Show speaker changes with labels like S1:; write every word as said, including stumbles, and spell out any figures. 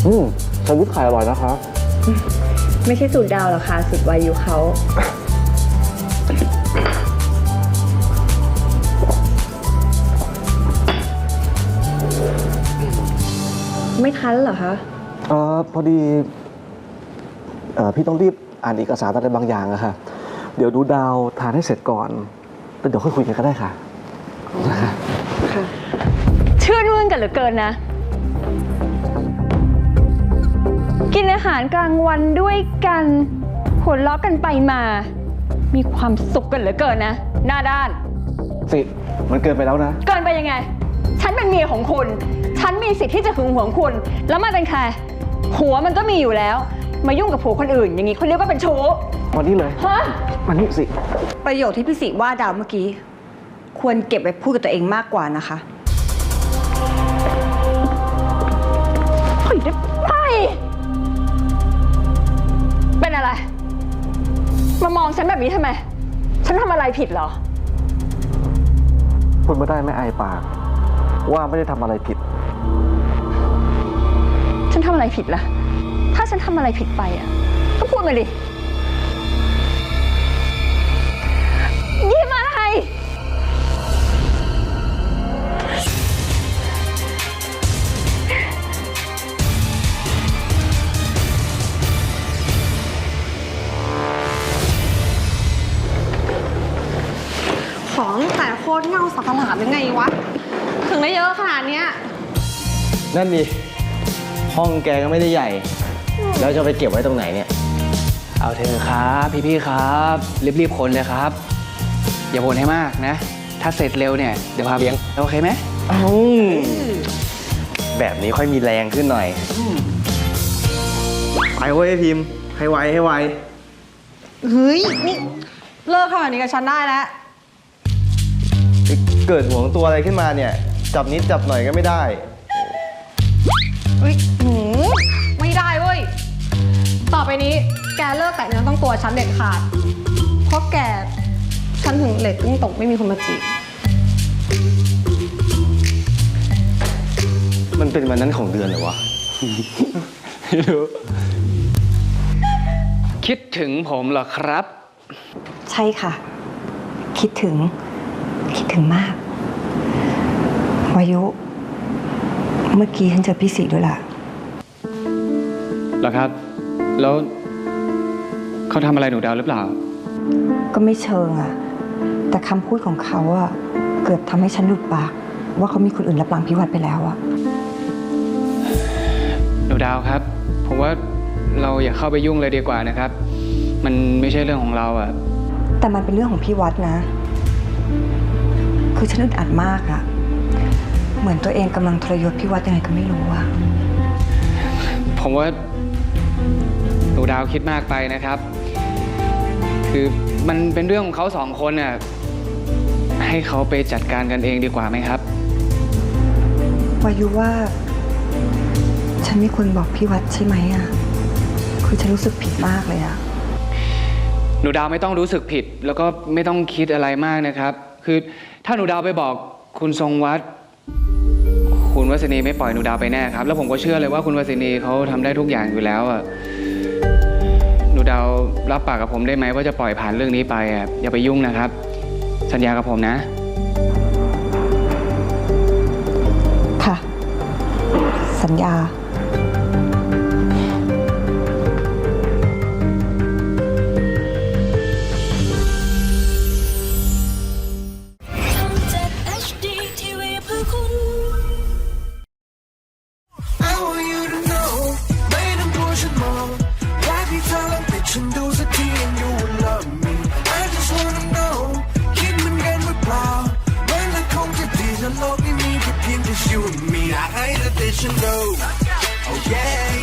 S1: อืมแซนด์วิชไข่อร่อยนะคะ
S2: ไม่ใช่สูตรดาวหรอกค่ะสูตรวายุเขาไม่ทันเหรอคะ
S1: เออพอดีเออพี่ต้องรีบอ่านเอกสารอะไรบางอย่างอะค่ะเดี๋ยวดูดาวทานให้เสร็จก่อนแล้วเดี๋ยวค่อยคุยกันก็ได้ค่ะนะคะ
S2: ค่ะ
S3: ชื่นมื่นกันเหลือเกินนะกินอาหารกลางวันด้วยกันหัวเราะกันไปมามีความสุขกันเหลือเกินนะหน้าด้าน
S1: สิมันเกินไปแล้วนะ
S3: เกินไปยังไงฉันเป็นเมียของคุณฉันมีสิทธิ์ที่จะหึงหวงคุณแล้วมันเป็นใครหัวมันก็มีอยู่แล้วมายุ่งกับผัวคนอื่นอย่างนี้เขาเรียกว่าเป็นชู้
S1: วันนี้เลย
S3: ฮะ
S1: วันนี้สิ
S2: ประโยคที่พี่สิว่าดาวเมื่อกี้ควรเก็บไว้พูดกับตัวเองมากกว่านะคะ
S3: เฮ้ยไปเป็นอะไรมามองฉันแบบนี้ทำไมฉันทำอะไรผิดเหรอ
S1: พูดไม่ได้ไม่อายปากว่าไม่ได้ทำอะไรผิด
S3: ฉันทำอะไรผิดล่ะถ้าฉันทำอะไรผิดไปอ่ะก็พูดมาดิยิ้มอะไร
S2: ของแต่โคตรเงาสักหลาดยังไงวะถึงได้เยอะขนาดเนี้ย
S4: นั่นดิห้องแกก็ไม่ได้ใหญ่แล้วจะไปเก็บไว้ตรงไหนเนี่ย
S5: เอาเถอะครับพี่ๆครับรีบๆคนเลยครับอย่าบ่นให้มากนะถ้าเสร็จเร็วเนี่ยเดี๋ยวพาเลี้ยงโอเคไหม
S4: แบบนี้ค่อยมีแรงขึ้นหน่อยไปเว้ยพิมพ์ให้ไวให้ไว
S2: เฮ้ยนี่เลิกขนาดนี้กับฉันได้แล้ว
S4: เกิดห่วงตัวอะไรขึ้นมาเนี่ยจับนิดจับหน่อยก็ไม่ได้
S2: เฮ้ยหืมไม่ได้เว้ยต่อไปนี้แกเลิกแต่เนื้อต้องตัวฉันเด็ดขาดเพราะแกฉันถึงเหล็กยิ่งตกไม่มีคนมาจีบ
S4: มันเป็นวันนั้นของเดือนเหรอวะ
S5: ไม่รู้คิดถึงผมเหรอครับ
S2: ใช่ค่ะคิดถึงคิดถึงมากวายุเมื่อกี้ฉันเจอพี่สีด้วยล่ะ
S5: เหรอครับแล้วเขาทำอะไรหนูดาวหรือเปล่า
S2: ก็ไม่เชิงอะแต่คำพูดของเขาอะเกือบทำให้ฉันหลุดปากว่าเขามีคนอื่นรับหลังพี่วัดไปแล้วอะ
S5: หนูดาวครับผมว่าเราอย่าเข้าไปยุ่งเลยดีกว่านะครับมันไม่ใช่เรื่องของเราอะ
S2: แต่มันเป็นเรื่องของพี่วัดนะคือฉันอึดอัดมากอะเหมือนตัวเองกำลังทรยศพี่วัดยังไงก็ไม่รู้อะ
S5: ผมว่าหนูดาวคิดมากไปนะครับคือมันเป็นเรื่องของเขาสองคนน่ะให้เขาไปจัดการกันเองดีกว่าไหมครับ
S2: วายุว่าฉันไม่ควรบอกพี่วัดใช่ไหมอะคือฉันรู้สึกผิดมากเลยอะ
S5: หนูดาวไม่ต้องรู้สึกผิดแล้วก็ไม่ต้องคิดอะไรมากนะครับคือถ้าหนูดาวไปบอกคุณทรงวัดคุณวสินีไม่ปล่อยหนูดาวไปแน่ครับแล้วผมก็เชื่อเลยว่าคุณวสินีเขาทำได้ทุกอย่างอยู่แล้วอ่ะหนูดาวรับปากกับผมได้ไหมว่าจะปล่อยผ่านเรื่องนี้ไปอ่ะอย่าไปยุ่งนะครับสัญญากับผมนะ
S2: ค่ะสัญญา
S6: ฉันดูสักที and you will love me I just wanna know คิดเหมือนกันหรือเปล่ามันละคงจะดีถ้าโลกนี้มีแค่เพียงแต่ you and me อยากให้เธอได้ฉันรู้ oh yeah